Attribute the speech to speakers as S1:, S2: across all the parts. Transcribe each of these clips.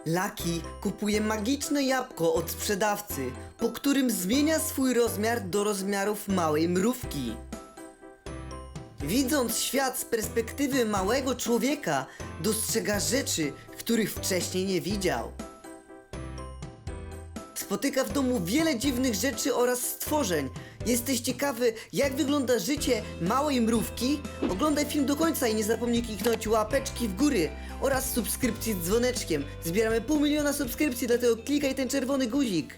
S1: Lucky kupuje magiczne jabłko od sprzedawcy, po którym zmienia swój rozmiar do rozmiarów małej mrówki. Widząc świat z perspektywy małego człowieka, dostrzega rzeczy, których wcześniej nie widział. Spotyka w domu wiele dziwnych rzeczy oraz stworzeń. Jesteś ciekawy, jak wygląda życie małej mrówki? Oglądaj film do końca i nie zapomnij kliknąć łapeczki w góry oraz subskrypcji z dzwoneczkiem. Zbieramy 500 000 subskrypcji, dlatego klikaj ten czerwony guzik.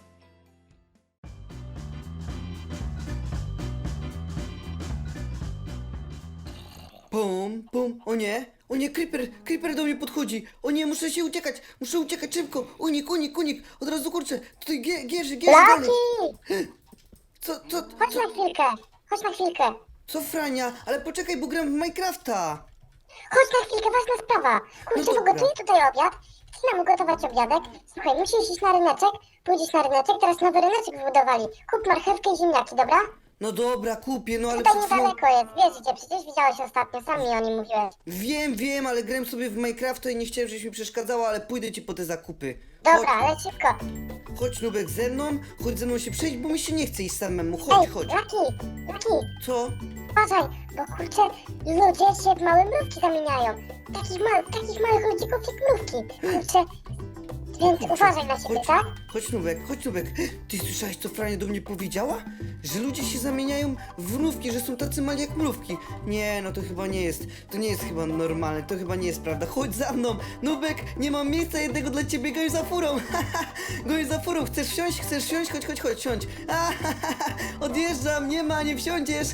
S1: Pum, pum, o nie, creeper do mnie podchodzi, o nie, muszę uciekać szybko, unik, od razu kurczę, tutaj gierzy dalej.
S2: Lucky!
S1: Co,
S2: Chodź na chwilkę.
S1: co Frania, ale poczekaj, bo gram w Minecrafta.
S2: Chodź na chwilkę, ważna sprawa. Kurczę,
S1: No dobra.
S2: gotuję tutaj obiad. Chcę nam ugotować obiadek. Słuchaj, musisz iść na ryneczek. Pójdziesz na ryneczek, teraz nowy ryneczek wybudowali. Kup marchewkę i ziemniaki, dobra?
S1: No dobra, kupię, no ale
S2: Tutaj
S1: przed chwilą...
S2: niedaleko jest, wiesz gdzie, przecież widziałeś ostatnio, sam mi o nim mówiłeś.
S1: Wiem, ale grałem sobie w Minecrafta i nie chciałem, żebyś mi przeszkadzała, ale pójdę ci po te zakupy.
S2: Dobra, ale szybko.
S1: Chodź Nubek chodź ze mną się przejść, bo mi się nie chce iść samemu,
S2: Ej,
S1: chodź.
S2: Lucky,
S1: Co?
S2: uważaj, bo kurczę, ludzie się w małe mrówki zamieniają. Takich małych ludzików jak mrówki. Kurczę, więc uważaj na siebie, tak?
S1: Chodź Nubek. Ty słyszałeś, co Frania do mnie powiedziała? Że ludzie się zamieniają w mrówki, że są tacy mali jak mrówki. Nie, no to chyba nie jest, to nie jest chyba normalne, to chyba nie jest prawda. Chodź za mną, Nubek, nie mam miejsca jednego dla ciebie, goń za furą. Goń za furą, chcesz wsiąść? Chodź, siądź. Odjeżdżam, nie wsiądziesz.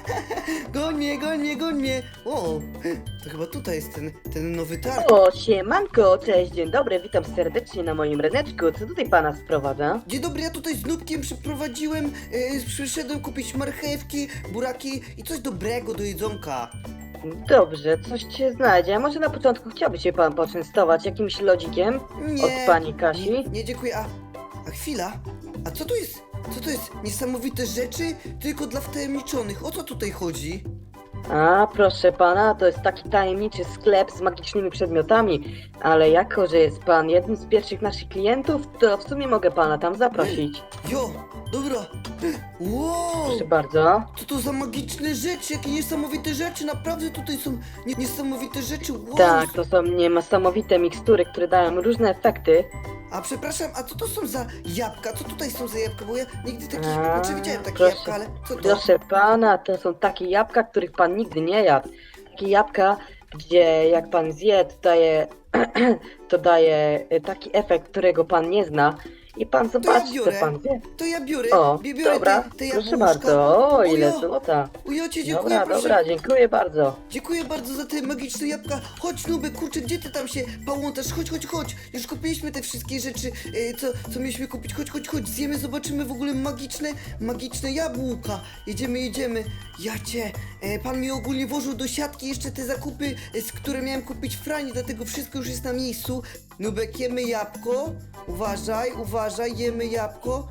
S1: Goń mnie. O, to chyba tutaj jest ten nowy targ.
S3: O, siemanko, cześć, dzień dobry, witam serdecznie na moim ryneczku. Co tutaj pana sprowadza?
S1: Dzień dobry, ja tutaj z Nubkiem przyprowadziłem, przyszedłem kupić marchewki, buraki i coś dobrego do jedzonka.
S3: Dobrze, coś się znajdzie. A może na początku chciałby się pan poczęstować jakimś lodzikiem
S1: Nie,
S3: od pani Kasi?
S1: Nie, dziękuję, a chwila, a co to jest? Co to jest? Niesamowite rzeczy, tylko dla wtajemniczonych, o co tutaj chodzi?
S3: A, proszę pana, to jest taki tajemniczy sklep z magicznymi przedmiotami, ale jako, że jest pan jednym z pierwszych naszych klientów, to w sumie mogę pana tam zaprosić.
S1: Jo, dobra, wow,
S3: Proszę bardzo.
S1: co to za magiczne rzeczy, jakie niesamowite rzeczy, naprawdę tutaj są niesamowite rzeczy, wow.
S3: Tak, to są niesamowite mikstury, które dają różne efekty.
S1: A przepraszam, a co to są za jabłka? Co tutaj są za jabłka? Bo ja nigdy takich,
S3: A,
S1: znaczy widziałem takie
S3: proszę,
S1: jabłka, ale co to?
S3: Proszę pana, to są takie jabłka, których pan nigdy nie jadł. Takie jabłka, gdzie jak pan zje, to daje taki efekt, którego pan nie zna. I pan zobaczy,
S1: biorę.
S3: co pan wie.
S1: To ja biorę,
S3: O,
S1: biorę
S3: dobra,
S1: te
S3: proszę
S1: jabłuszka.
S3: bardzo. O, ile
S1: Ujo,
S3: złota.
S1: Ujocie, dziękuję,
S3: Dobra,
S1: proszę.
S3: dobra, dziękuję bardzo.
S1: Dziękuję bardzo za te magiczne jabłka. Chodź Nubek, kurczę, gdzie ty tam się pałątasz? Chodź. Już kupiliśmy te wszystkie rzeczy, co mieliśmy kupić. Chodź, zjemy, zobaczymy w ogóle magiczne jabłka. Jedziemy. Pan mi ogólnie włożył do siatki jeszcze te zakupy, które miałem kupić Frani, dlatego wszystko już jest na miejscu. Nubek, jemy jabłko. Uważaj, jemy jabłko.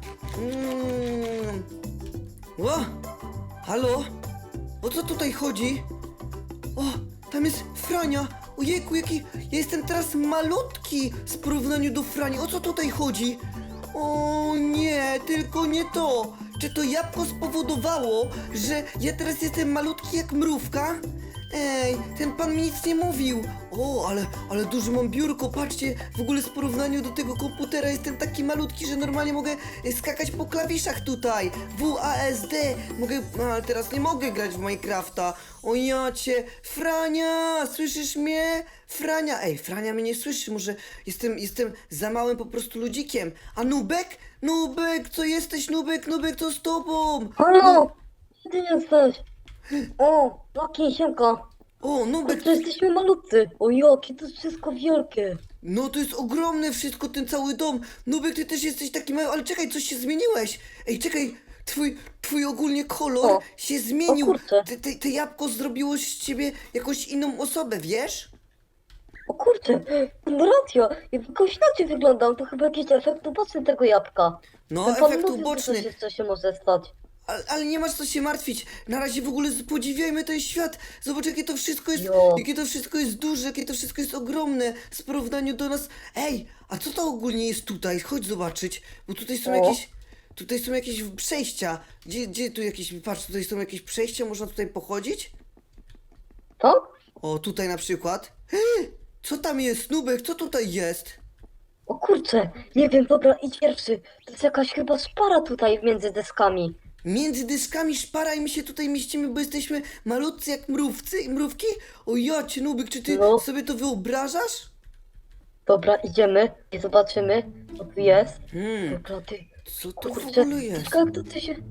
S1: O, halo? O co tutaj chodzi? O, tam jest Frania! Ojejku, ja jestem teraz malutki w porównaniu do Frani. O co tutaj chodzi? O nie, tylko nie to! Czy to jabłko spowodowało, że ja teraz jestem malutki jak mrówka? Ej, ten pan mi nic nie mówił. O, ale duże mam biurko, patrzcie, w ogóle w porównaniu do tego komputera jestem taki malutki, że normalnie mogę skakać po klawiszach tutaj. WASD, mogę, no, ale teraz nie mogę grać w Minecrafta. O jacie, Frania, słyszysz mnie? Frania, ej, Frania mnie nie słyszy, może jestem za małym po prostu ludzikiem. A Nubek, co jesteś, Nubek, co z tobą?
S4: Halo! Gdzie ty jesteś? O, Lucky, siemka.
S1: O, Nubek,
S4: To jesteśmy malutcy. O, jakie to jest wszystko wielkie.
S1: no to jest ogromne wszystko, ten cały dom. Nubek, ty też jesteś taki mały, ale czekaj, coś się zmieniłeś. Ej, czekaj, twój ogólnie kolor
S4: O,
S1: się zmienił.
S4: o kurczę.
S1: Te jabłko zrobiło z ciebie jakąś inną osobę, wiesz?
S4: O kurczę, racja. Jakoś inaczej wyglądam. To chyba jakiś efekt uboczny tego jabłka.
S1: No,
S4: Ten pan
S1: efekt
S4: mówił, że
S1: uboczny.
S4: coś jeszcze się może stać.
S1: ale nie masz co się martwić. Na razie w ogóle podziwiajmy ten świat. Zobacz, jakie to wszystko jest,
S4: Jo.
S1: jakie to wszystko jest duże, jakie to wszystko jest ogromne w porównaniu do nas. Ej, a co to ogólnie jest tutaj? Chodź zobaczyć, bo tutaj są
S4: O.
S1: jakieś... Tutaj są jakieś przejścia. Gdzie tu jakieś... Patrz, tutaj są jakieś przejścia, można tutaj pochodzić?
S4: Tak?
S1: O, tutaj na przykład. Co tam jest, Nubek? Co tutaj jest?
S4: O kurczę, nie wiem, dobra, idź pierwszy. To jest jakaś chyba szpara tutaj między deskami.
S1: Między dyskami szpara i my się tutaj mieścimy, bo jesteśmy malutcy jak mrówki? O jacie, Nubek, czy ty
S4: No.
S1: sobie to wyobrażasz?
S4: Dobra, idziemy i zobaczymy, co tu jest.
S1: Hmm,
S4: Dobra, ty.
S1: co to w
S4: Kurczę,
S1: ogóle jest?
S4: czekaj, jak to ty się...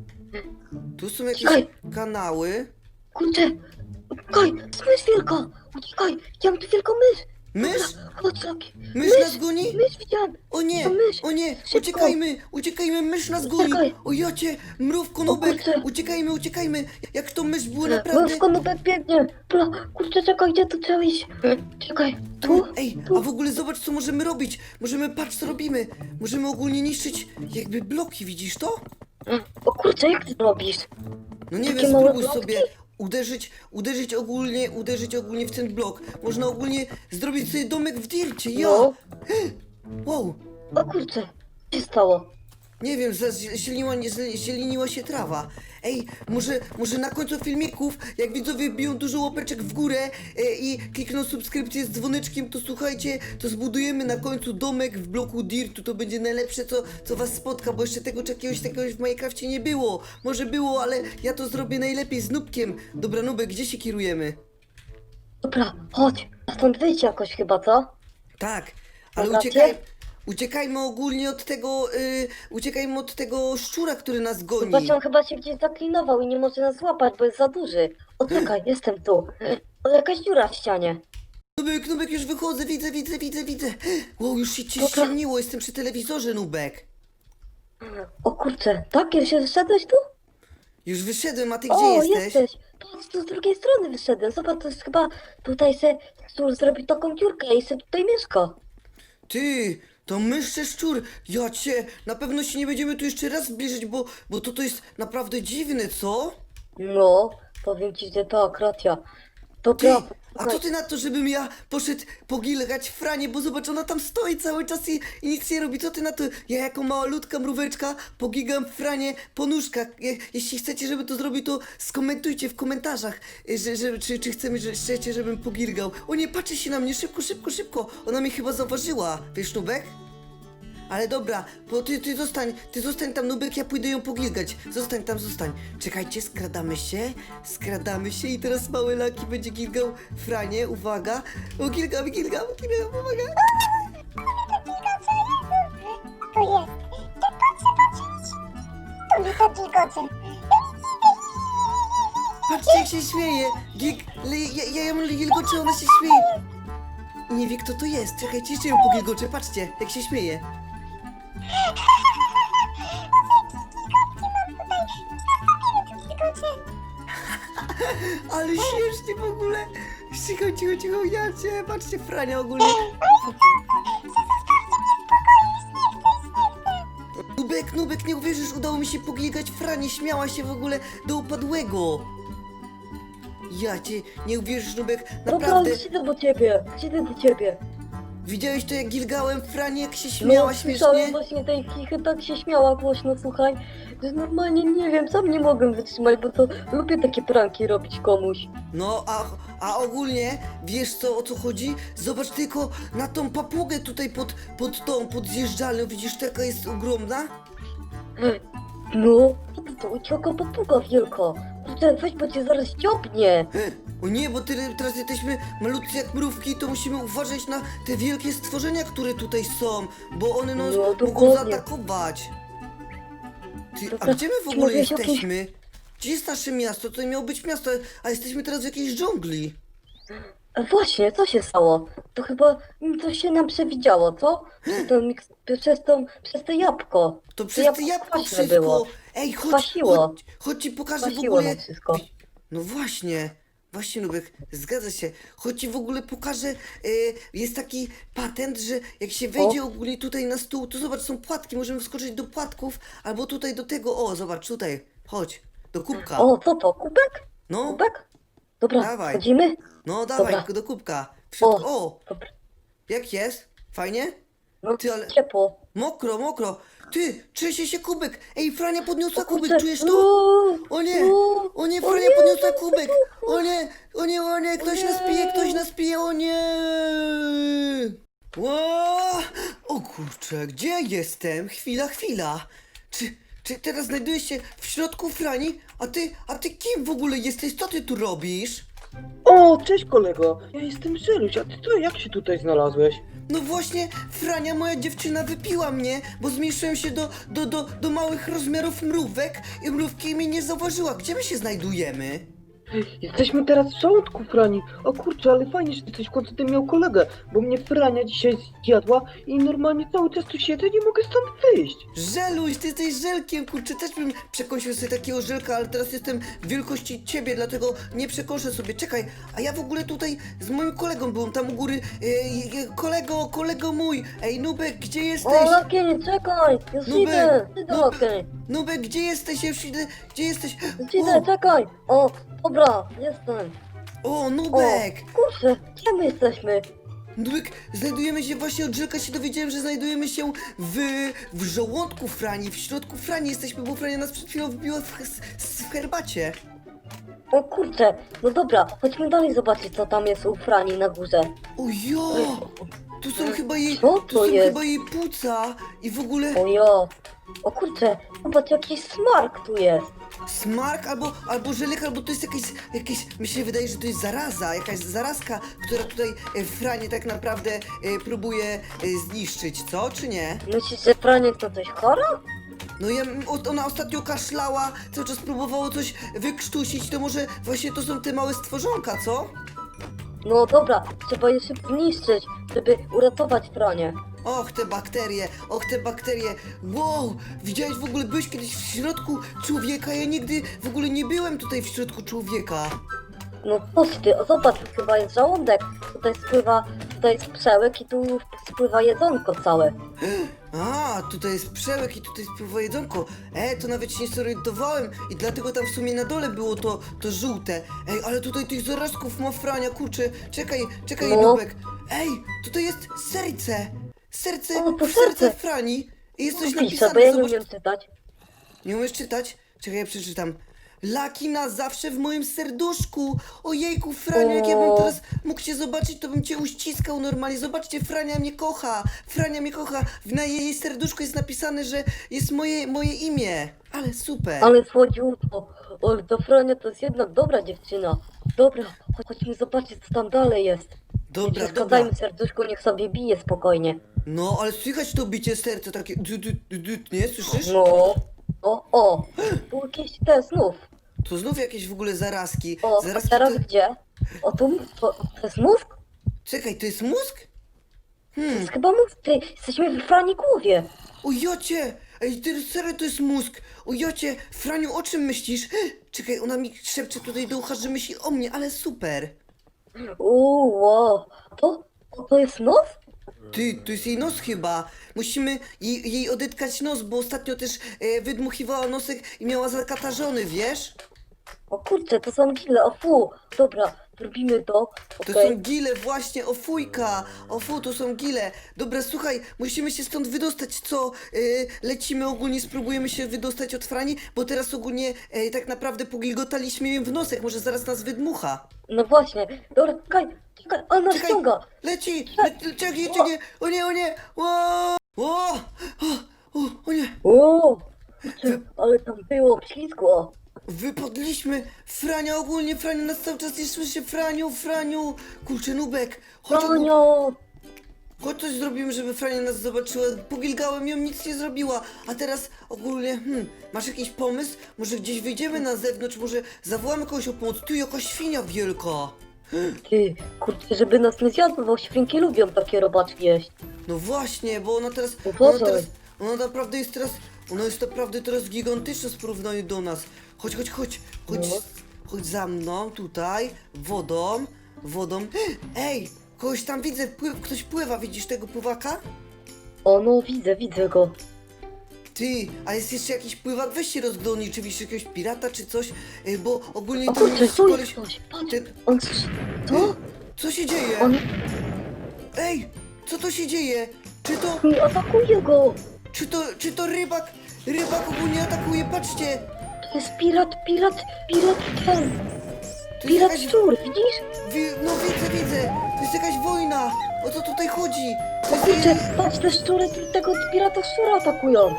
S1: Tu są jakieś
S4: Czekaj.
S1: kanały.
S4: Kurczę, uciekaj, to jest wielka. Uciekaj, widziałem tu wielką mysz.
S1: Mysz?
S4: Dobra, chodź, Loki.
S1: Mysz nas goni?
S4: Mysz widziałem.
S1: O nie,
S4: To mysz.
S1: o nie,
S4: Szybko.
S1: uciekajmy, mysz nas goni.
S4: Uciekaj.
S1: O jacie, mrówko, Nubek,
S4: kurczę.
S1: uciekajmy. Jak to mysz było naprawdę...
S4: Mrówko, no tak biegnie. Dobra, kurczę, czekaj, gdzie tu trzeba iść? Czekaj, tu?
S1: Ej, a w ogóle zobacz, co możemy robić. Patrz, co robimy. Możemy ogólnie niszczyć jakby bloki, widzisz to?
S4: O kurczę, jak ty to robisz?
S1: No nie
S4: Takie
S1: wiem,
S4: małe
S1: spróbuj
S4: blokki?
S1: sobie uderzyć ogólnie w ten blok. Można ogólnie zrobić sobie domek w dircie, ja!
S4: No.
S1: Wow,
S4: O kurczę, co się stało?
S1: nie wiem, zieleniła się trawa. Ej, może na końcu filmików, jak widzowie biją dużo łapeczek w górę i klikną subskrypcję z dzwoneczkiem, to słuchajcie, to zbudujemy na końcu domek w bloku dirtu. To będzie najlepsze, co was spotka, bo jeszcze czegoś takiego w Minecrafcie nie było. Może było, ale ja to zrobię najlepiej z Nubkiem. Dobra, Nubek, gdzie się kierujemy?
S4: Dobra, chodź, a stąd wyjdź jakoś chyba, co?
S1: Tak, ale
S4: Dobra,
S1: uciekajmy ogólnie uciekajmy od tego szczura, który nas goni.
S4: Właśnie on chyba się gdzieś zaklinował i nie może nas złapać, bo jest za duży. O czekaj, jestem tu. O, jakaś dziura w ścianie.
S1: Nubek, już wychodzę, widzę. Wow, już się ściemniło, jestem przy telewizorze, Nubek.
S4: O kurczę, tak? Już się wyszedłeś tu?
S1: Już wyszedłem, a ty gdzie
S4: O,
S1: jesteś?
S4: Patrz, tu z drugiej strony wyszedłem. Zobacz, to jest chyba tutaj se tu zrobić taką dziurkę i se tutaj mieszka.
S1: Ty, to mysz czy szczur? Ja cię, na pewno się nie będziemy tu jeszcze raz zbliżyć, bo to jest naprawdę dziwne, co?
S4: No, powiem ci, że tak, racja.
S1: Ty,
S4: Dobra,
S1: a co ty na to, żebym ja poszedł pogilgać Franię, bo zobacz, ona tam stoi cały czas i nic nie robi. Co ty na to? Ja jako malutka mróweczka pogigam Franię po nóżkach. Jeśli chcecie, żeby to zrobił, to skomentujcie w komentarzach, czy chcecie, żebym pogilgał. O nie, patrzy się na mnie, szybko. Ona mnie chyba zauważyła. Wiesz, Nubek? Ale dobra, bo ty zostań tam, Nubek, ja pójdę ją pogilgać. Zostań. Czekajcie, skradamy się i teraz mały Laki będzie gilgał Franie, uwaga. O, gilgam, uwaga.
S2: To jest. To jest to gilgoce.
S1: Patrzcie, jak się śmieje. Ja ją gilgoczę, ona się śmieje. Nie wie, kto to jest. Czekajcie, jeszcze ją pogilgoczę, patrzcie, jak się śmieje. Ale śmiesznie w ogóle. Cicho, ja cię, patrzcie, Frania ogólnie. Nubek, nie uwierzysz, udało mi się pogilgać Franię, śmiała się w ogóle do upadłego. Ja cię, nie uwierzysz, Nubek,
S4: dobra,
S1: naprawdę.
S4: idę do ciebie.
S1: Widziałeś to, jak gilgałem Franię, jak się śmiała
S4: Słyszałem
S1: śmiesznie?
S4: właśnie tej kichy, tak się śmiała głośno, słuchaj, że normalnie nie wiem, sam nie mogę wytrzymać, bo to lubię takie pranki robić komuś.
S1: No, a ogólnie, wiesz co, o co chodzi? Zobacz tylko na tą papugę tutaj pod zjeżdżalnią, widzisz, taka jest ogromna?
S4: No, to ucieka papuga wielka. Kurde, weź, bo cię zaraz dziobnie.
S1: O nie, bo teraz jesteśmy malutcy jak mrówki, to musimy uważać na te wielkie stworzenia, które tutaj są, bo one nas
S4: No,
S1: mogą
S4: dokładnie.
S1: zaatakować. Ty, a
S4: Dobra,
S1: gdzie my w
S4: czy
S1: ogóle
S4: mogę się
S1: jesteśmy? Gdzie jest nasze miasto? Tutaj miało być miasto, a jesteśmy teraz w jakiejś dżungli.
S4: Właśnie, co się stało? To chyba coś się nam przewidziało, co? Przez to jabłko.
S1: To
S4: To
S1: przez te jabłko
S4: kwaśne
S1: wszystko.
S4: było.
S1: Ej,
S4: Kwasiło.
S1: chodź ci pokażę w
S4: Kwasiło
S1: ogóle.
S4: nam wszystko.
S1: No właśnie, Nubek, zgadza się. Chodź ci w ogóle pokażę, jest taki patent, że jak się wejdzie ogólnie tutaj na stół, to zobacz, są płatki, możemy wskoczyć do płatków, albo tutaj do tego, o, zobacz, tutaj, chodź. do kubka.
S4: O, co to? Kubek?
S1: No,
S4: Kubek? Dobra,
S1: Dawaj.
S4: wchodzimy?
S1: no dawaj,
S4: Dobra.
S1: do kubka. W środku, o,
S4: Dobra.
S1: jak jest? Fajnie?
S4: No,
S1: Ty, ale
S4: ciepło.
S1: mokro, mokro. Ty, trzęsie się kubek. Ej, Frania podniosła
S4: O
S1: kubek,
S4: kurczę.
S1: czujesz to? O nie, o nie, Frania podniosła kubek. O nie, o nie, o nie, ktoś nas pije, ktoś nas pije, o nie. Ło! O kurczę, gdzie jestem? Chwila, chwila. Czy teraz znajdujesz się w środku Frani? A ty kim w ogóle jesteś? Co ty tu robisz?
S3: O, cześć kolego, ja jestem Żeluś, a ty to jak się tutaj znalazłeś?
S1: No właśnie, Frania, moja dziewczyna, wypiła mnie, bo zmniejszyłem się do małych rozmiarów mrówek i mrówki mnie nie zauważyła. Gdzie my się znajdujemy?
S3: Jesteśmy teraz w żołądku, Frani. O kurczę, ale fajnie, że ty coś w końcu ty miał kolegę, bo mnie Frania dzisiaj zjadła i normalnie cały czas tu siedzę, nie mogę stąd wyjść.
S1: Żeluś, ty jesteś żelkiem, kurczę, też bym przekąsił sobie takiego żelka, ale teraz jestem wielkości ciebie, dlatego nie przekąszę sobie. Czekaj, a ja w ogóle tutaj z moim kolegą byłem tam u góry. Kolego mój, ej, Nubek, gdzie
S4: O,
S1: jesteś?
S4: Lakień, czekaj! Już
S1: Nubek,
S4: idę,
S1: Nubek.
S4: Lakień.
S1: Nubek, gdzie jesteś? Ja już idę, gdzie jesteś?
S4: Już idę, czekaj! O, dobra, jestem.
S1: O,
S4: O,
S1: Nubek!
S4: kurczę, gdzie my jesteśmy?
S1: Nubek, znajdujemy się właśnie, od Żelka się dowiedziałem, że znajdujemy się w żołądku Frani, w środku Frani jesteśmy, bo Frania nas przed chwilą wbiła w herbacie.
S4: O kurczę, no dobra, chodźmy dalej zobaczyć, co tam jest u Frani na górze.
S1: Ojo! Tu są chyba jej,
S4: Co
S1: tu
S4: to
S1: są
S4: jest?
S1: chyba jej płuca i w ogóle
S4: Ojo, o kurczę, zobacz, jakiś smark tu jest.
S1: smark albo żelek, albo to jest jakieś, mi się wydaje, że to jest zaraza, jakaś zarazka, która tutaj Franię tak naprawdę próbuje zniszczyć, co, czy nie?
S4: Myślisz, że Frania to coś chora?
S1: No ona ostatnio kaszlała, cały czas próbowało coś wykrztusić, to może właśnie to są te małe stworzonka, co?
S4: No dobra, trzeba je szybko zniszczyć, żeby uratować Franię.
S1: Och, te bakterie. Wow, widziałeś w ogóle, byłeś kiedyś w środku człowieka? Ja nigdy w ogóle nie byłem tutaj w środku człowieka.
S4: No coś ty, o zobacz, tu chyba jest żołądek, tutaj jest przełek i tu spływa jedzonko całe.
S1: A, tutaj jest przełek i tutaj spływa jedzonko. To nawet się nie zorientowałem i dlatego tam w sumie na dole było to żółte. Ej, ale tutaj tych zarazków ma Frania, kurczę. Czekaj,
S4: No.
S1: Nubek. Ej, tutaj jest serce.
S4: O, to
S1: Serce
S4: serce.
S1: Frani. I jest coś
S4: Pisze,
S1: napisane,
S4: bo ja nie
S1: zobacz.
S4: umiem czytać.
S1: Nie umiesz czytać? Czekaj, ja przeczytam. Laki na zawsze w moim serduszku. Ojejku, Franiu, jak ja bym
S4: O.
S1: teraz mógł cię zobaczyć, to bym cię uściskał normalnie. Zobaczcie, Frania mnie kocha. Frania mnie kocha. Na jej serduszku jest napisane, że jest moje imię. Ale super.
S4: Ale słodziutko, o, to Frania to jest jednak dobra dziewczyna. Dobra, chodźmy zobaczyć, co tam dalej jest. Nie
S1: Dobra,
S4: przeszkadzajmy serduszku, niech sobie bije spokojnie.
S1: No, ale słychać to bicie serca takie... Nie, słyszysz?
S4: No, o, tu jakieś te znów.
S1: To znów jakieś w ogóle zarazki.
S4: O, a
S1: Zarazki
S4: teraz
S1: to...
S4: gdzie? O, to jest mózg?
S1: Czekaj, to jest mózg?
S4: To jest chyba mózg, ty, jesteśmy w Frani głowie.
S1: O jocie! Ej, serio to jest mózg! O jocie! Franiu, o czym myślisz? Czekaj, ona mi szepcze tutaj do ucha, że myśli o mnie, ale super!
S4: Wow, to jest nos?
S1: Ty, to jest jej nos chyba. Musimy jej odetkać nos, bo ostatnio też wydmuchiwała nosek i miała zakatarzony, wiesz?
S4: O kurczę, to są gile, o fu. Dobra, robimy to.
S1: To
S4: Okej.
S1: są gile, właśnie, o fujka! O fu, to są gile. Dobra, słuchaj, musimy się stąd wydostać, co? Lecimy ogólnie, spróbujemy się wydostać od Frani, bo teraz ogólnie tak naprawdę pogilgotaliśmy jej w nosek, może zaraz nas wydmucha.
S4: No właśnie, dobra, czekaj, on nas
S1: Czekaj,
S4: ściąga.
S1: leci! Czekaj, o nie! O nie!
S4: O, kurczę, ale tam było ślizgo.
S1: Wypadliśmy! Frania, ogólnie Frania nas cały czas nie słyszy. Franiu! Kurczę, Nubek! Chodź,
S4: Franio!
S1: chodź coś zrobimy, żeby Frania nas zobaczyła. Pogilgałem ją, nic nie zrobiła. A teraz ogólnie, masz jakiś pomysł? Może gdzieś wyjdziemy na zewnątrz, może zawołamy kogoś o pomoc. Tu jaka świnia wielka!
S4: Ty, kurczę, żeby nas nie zjadł, bo świnki lubią takie robaczki jeść.
S1: No właśnie, bo ona teraz,
S4: Uważaj.
S1: ona naprawdę jest teraz, ona jest naprawdę teraz gigantyczna w porównaniu do nas. Chodź,
S4: No.
S1: chodź za mną, tutaj, wodą. Ej, kogoś tam widzę, ktoś pływa, widzisz tego pływaka?
S4: O, no widzę go.
S1: Ty, a jest jeszcze jakiś pływak? Weź się rozglądnij, czy widzisz jakiegoś pirata, czy coś, bo ogólnie
S4: O
S1: tam
S4: kurczę,
S1: jest
S4: tu jest
S1: koleś...
S4: ktoś. Patrz,
S1: Ten...
S4: on... Co?
S1: Co się dzieje?
S4: On
S1: Ej, co to się dzieje?
S4: mi atakuje go.
S1: Czy to rybak? Rybak ogólnie atakuje, patrzcie!
S4: To jest pirat ten.
S1: To jest
S4: Pirat
S1: jakaś...
S4: szczur, widzisz?
S1: No widzę! To jest jakaś wojna! O co tutaj chodzi?
S4: O
S1: To jest...
S4: kurczę, patrz, te szczury tego pirata szczura atakują.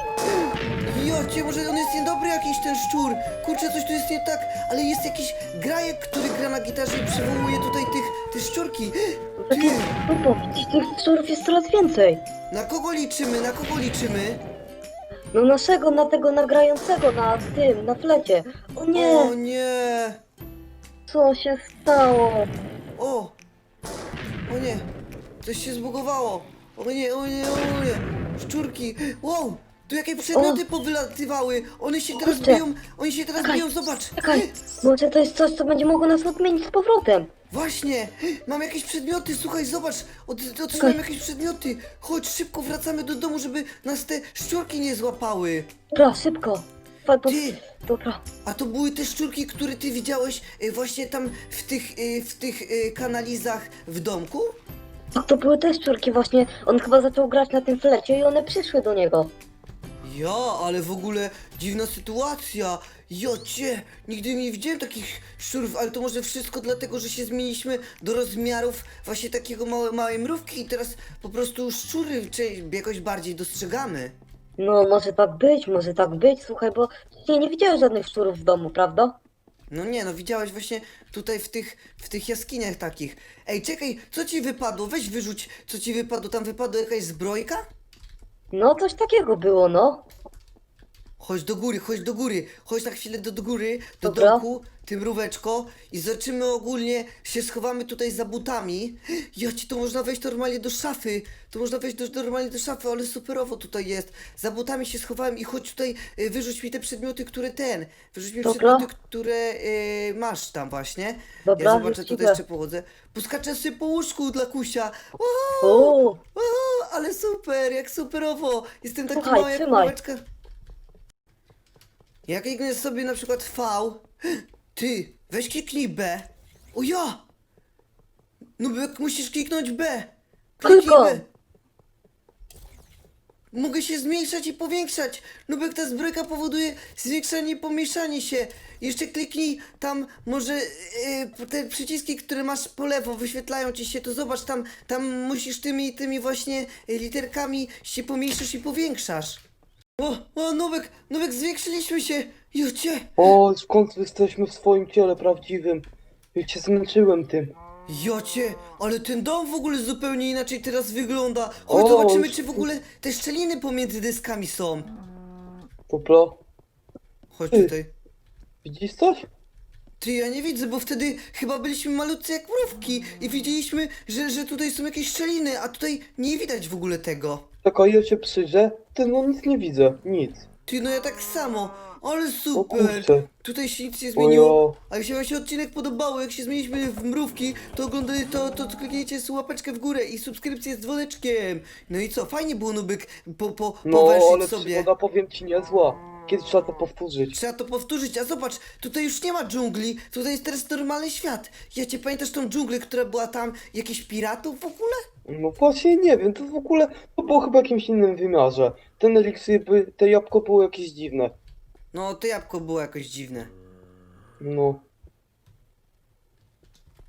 S1: Jocie, może on jest niedobry jakiś ten szczur. Kurczę, coś tu jest nie tak, ale jest jakiś grajek, który gra na gitarze i przywołuje tutaj te szczurki. Ty,
S4: No bo widzisz, tych szczurów jest coraz więcej.
S1: na kogo liczymy? Na kogo liczymy?
S4: No naszego, na tego nagrającego, na flecie. O
S1: O
S4: nie,
S1: nie!
S4: co się stało?
S1: O! O nie! Coś się zbugowało! O nie! Szczurki! Wow! Tu jakie przedmioty powylatywały! One się teraz
S4: Kurczę.
S1: biją! Oni się teraz
S4: Czekaj,
S1: biją, zobacz!
S4: Czekaj, może to jest coś, co będzie mogło nas odmienić z powrotem.
S1: Właśnie! Mam jakieś przedmioty, słuchaj, zobacz! Otrzymałem jakieś przedmioty! Chodź, szybko wracamy do domu, żeby nas te szczurki nie złapały!
S4: Dobra, szybko.
S1: Ty!
S4: Dobra.
S1: A to były te szczurki, które ty widziałeś właśnie tam w tych kanalizach w domku?
S4: Tak, to były te szczurki właśnie. On chyba zaczął grać na tym flecie i one przyszły do niego.
S1: Ja, ale w ogóle dziwna sytuacja. Jocie, nigdy nie widziałem takich szczurów, ale to może wszystko dlatego, że się zmieniliśmy do rozmiarów właśnie takiego małej mrówki i teraz po prostu szczury jakoś bardziej dostrzegamy.
S4: No, może tak być, słuchaj, bo nie widziałeś żadnych szczurów w domu, prawda?
S1: No nie, no widziałeś właśnie tutaj w tych jaskiniach takich. Ej, czekaj, co ci wypadło? Weź wyrzuć, co ci wypadło. Tam wypadła jakaś zbrojka?
S4: No, coś takiego było, no.
S1: Chodź do góry, chodź na chwilę do góry, do
S4: Dobra.
S1: domku, tym mróweczko i zobaczymy ogólnie, się schowamy tutaj za butami. Joci, to można wejść normalnie do szafy, normalnie do szafy, ale superowo tutaj jest. Za butami się schowałem i chodź tutaj, wyrzuć mi te przedmioty, wyrzuć mi
S4: Dobra.
S1: przedmioty, które masz tam właśnie.
S4: Dobra,
S1: Ja zobaczę,
S4: już
S1: tutaj
S4: idę.
S1: jeszcze pochodzę. Poskaczę sobie po łóżku dla kusia.
S4: O,
S1: O, ale super, jak superowo. Jestem taki
S4: Słuchaj,
S1: mały jak
S4: trzymaj.
S1: mróweczka. Jak kliknę sobie na przykład V, ty, weź kliknij B. O ja! No bo jak musisz kliknąć B. Kliknij
S4: Tylko.
S1: B. Mogę się zmniejszać i powiększać. No bo jak ta zbrojka powoduje zwiększanie i pomniejszanie się. Jeszcze kliknij tam może te przyciski, które masz po lewo, wyświetlają ci się, to zobacz tam musisz tymi właśnie literkami się pomniejszysz i powiększasz. O, Nubek, zwiększyliśmy się! Jocie!
S3: O, w końcu jesteśmy w swoim ciele prawdziwym. Już się zmęczyłem tym.
S1: Jocie, ale ten dom w ogóle zupełnie inaczej teraz wygląda. Chodź,
S3: O,
S1: zobaczymy,
S3: już-
S1: czy w ogóle te szczeliny pomiędzy deskami są.
S3: Dobra,
S1: Chodź
S3: Ty.
S1: tutaj.
S3: widzisz coś?
S1: Ty, ja nie widzę, bo wtedy chyba byliśmy malutcy jak mrówki i widzieliśmy, że tutaj są jakieś szczeliny, a tutaj nie widać w ogóle tego.
S3: Czekaj, ja się przyjrzę. Ty, no nic nie widzę, nic.
S1: Ty, no ja tak samo, ale
S3: O
S1: super.
S3: kurczę.
S1: Tutaj się nic nie zmieniło.
S3: Ojo.
S1: A jeśli wam się odcinek podobał, jak się zmieniliśmy w mrówki, to oglądaj to kliknijcie łapeczkę w górę i subskrypcję z dzwoneczkiem. No i co, fajnie było Nubek
S3: No,
S1: powęszyć
S3: ale
S1: sobie.
S3: przygoda, powiem ci, niezła. Kiedyś trzeba to powtórzyć.
S1: Trzeba to powtórzyć, a zobacz, tutaj już nie ma dżungli, tutaj jest teraz normalny świat. Ja cię pamiętasz tą dżunglę, która była tam, jakichś piratów w ogóle?
S3: No właśnie, nie wiem, to w ogóle, to było chyba w jakimś innym wymiarze. Ten eliksir, te jabłko było jakieś dziwne.
S1: No, to jabłko było jakoś dziwne.
S3: No.